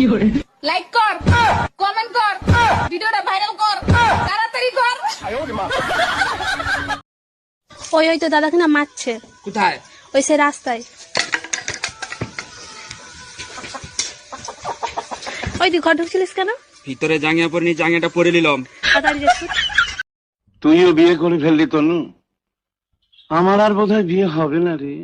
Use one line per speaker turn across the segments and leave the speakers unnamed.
Like কর, comment কর, ভিডিওটা ভাইরাল কর, তাড়াতাড়ি কর।
ওই তো দাদাকে না মারছে।
কোথায়?
ওই সে রাস্তায়। ওই তুই ঘর ঢুকছিলিস কেন?
ভিতরে জাঙ্গিয়া পরে নি, জাঙ্গিয়াটা পরে নিলাম।
তাড়াতাড়ি যাচ্ছি।
তুইও বিয়ে করে ফেললি তনু, আমার আর বোধহয় বিয়ে হবে না রে।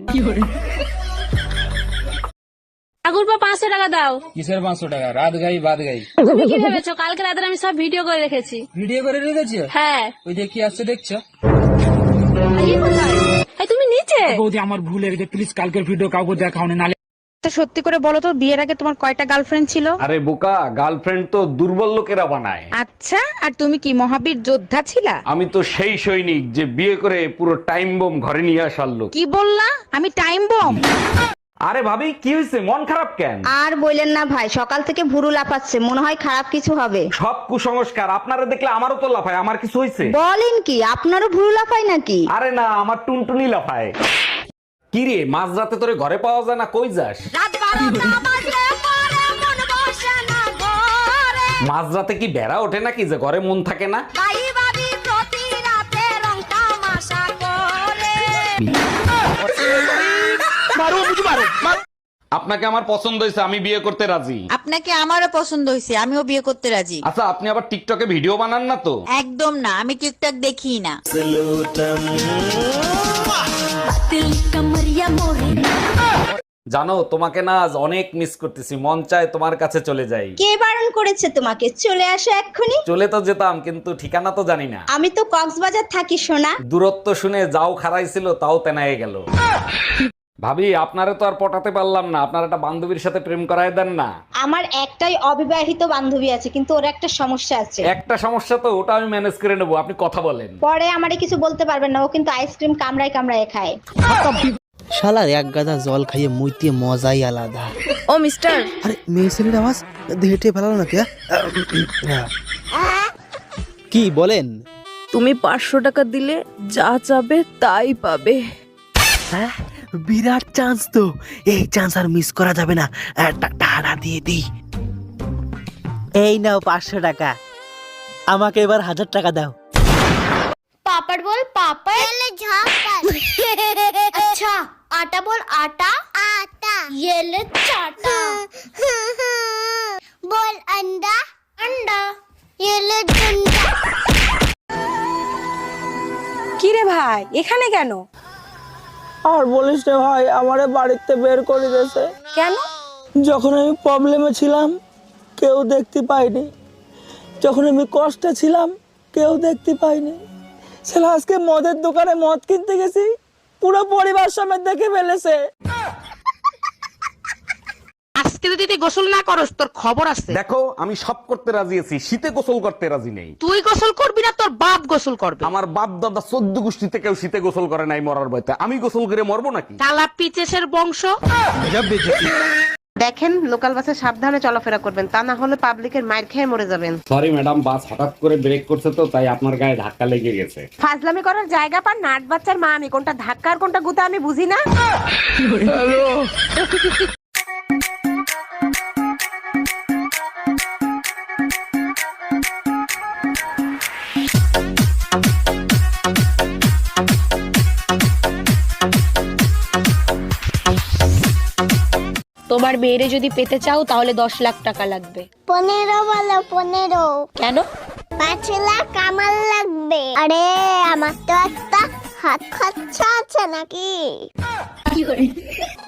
ঠাকুর পা 500 টাকা দাও।
কিসের 500 টাকা? রাত গাই বাদ গাই।
তুমি কি ভেবেছো কালকে রাতে আমি সব ভিডিও করে রেখেছি?
ভিডিও করে রেখেছো?
হ্যাঁ।
ওই যে কি আসছে দেখছো?
এই কোথায়? এই তুমি নিচে।
বৌদি আমার ভুল হয়ে গেছে, প্লিজ কালকের ভিডিও কাউকে দেখাও না, নালে।
সত্যি করে বলো তো, বিয়ের আগে তোমার কয়টা গার্লফ্রেন্ড ছিল?
আরে বোকা, গার্লফ্রেন্ড তো দুর্বল লোকেরা বানায়।
আচ্ছা, আর তুমি কি মহাবীর যোদ্ধা ছিলা?
আমি তো সেই সৈনিক যে বিয়ে করে পুরো টাইম বোম ঘরে নিয়ে আসার লোক।
কি বললা? আমি টাইম বম?
আরে ভাবি, কি হয়েছে? মন খারাপ কেন?
আর বললেন না ভাই, সকাল থেকে ভুরু লাফাচ্ছে, মনে হয় খারাপ কিছু হবে।
সব কুসংস্কার। আপনারা দেখলে আমারও তো লাফায়। আমার কিছু হয়েছে?
বলেন কি, আপনারও ভুরু লাফায় নাকি?
আরে না, আমার টুনটুনি লাফায়। কি রে, মাঝ রাতে তোরে ঘরে পাওয়া যায় না, কই যাস? মাঝ রাতে কি বেড়া ওঠে নাকি যে ঘরে মন থাকে না? আপনাকে আমার পছন্দ হয়েছে, আমি বিয়ে করতে রাজি।
আপনাকে আমারও পছন্দ হয়েছে, আমিও বিয়ে করতে রাজি।
আচ্ছা, আপনি আবার টিকটকে ভিডিও বানান না তো?
একদম না, আমি টিকটক দেখি না।
জানো, তোমাকে না আজ অনেক মিস করতেছি, মন চায় তোমার কাছে চলে যাই।
কে বারণ করেছে তোমাকে? চলে আসো এক্ষুনি।
চলে তো যেতাম, কিন্তু ঠিকানা তো জানি না।
আমি তো কক্সবাজার থাকি সোনা।
দূরত্ব শুনে যাও খারাইছিল, তাও তেনায়ে গেল। ভাবি, আপনারে তো আর পটাতে পারলাম না, আপনার একটা বান্ধবীর সাথে প্রেম করায় দেন না।
আমার একটাই অবিবাহিত বান্ধবী আছে, কিন্তু ওর একটা সমস্যা আছে।
একটা সমস্যা তো, ওটা আমি ম্যানেজ করে নেবো, আপনি কথা বলেন।
পরে আমারে কিছু বলতে পারবেন না, ও কিন্তু আইসক্রিম কামড়ায় কামড়ায় খায়।
শালার এক গাদা জল খাইয়ে মুইতে মজাই আলাদা।
ও মিস্টার,
আরে মেয়ে ছেলের আওয়াজ হেঁটে ফেলালো নাকি? কি বলেন?
তুমি 500 টাকা দিলে যা চাবে তাই পাবে।
হ্যাঁ, বিরাট চান্স তো, এই চান্স আর মিস করা যাবে না। টাকা দিয়ে দিই। এই নাও 500 টাকা, আমাকে এবার 1000 টাকা দাও।
पापड़ बोल पापड़। अच्छा, आटा बोल आटा। आटा। ये ले चाटा। बोल अंडा। अंडा। ये ले डंडा।
কি রে ভাই, এখানে কেন?
আর বলিস রে ভাই, আমারে বাড়িতে বের করে দিয়েছে।
কেন?
যখন আমি প্রবলেমে ছিলাম কেউ দেখতে পাইনি, যখন আমি কষ্টে ছিলাম কেউ দেখতে পাইনি। ছেলে আজকে মদের দোকানে মদ কিনতে গেছি, পুরো পরিবার সমেত দেখে ফেলেছে।
আজকে যদি তুই গোসল না করস তোর খবর আছে।
দেখো, আমি সব করতে রাজি আছি, শীতে গোসল করতে রাজি নেই।
তুই গোসল করবি না, তোর বাপ গোসল করবে।
আমার বাপ দাদা 14 গোষ্ঠীতে কেউ শীতে গোসল করে নাই মরার ভয়তে, আমি গোসল করে মরবো নাকি?
কালা পিচেসের বংশ।
দেখেন, লোকাল বাসে সাবধানে চলাফেরা করবেন, তা না হলে পাবলিকের মাইর খেয়ে মরে যাবেন।
সরি ম্যাডাম, বাস হঠাৎ করে ব্রেক করছে তো, তাই আপনার গায়ে ধাক্কা লেগে গেছে।
ফাজলামি করার জায়গা পান নাট বাচ্চার মা আমি, কোনটা ধাক্কা আর কোনটা গুতা আমি বুঝি না।
তোমার মেয়েরে যদি পেতে চাও তাহলে 10 লাখ টাকা লাগবে।
15 বলো 15।
কেন?
5 লাখ আমার লাগবে। আরে আমার তো একটা হাত খরচা আছে নাকি?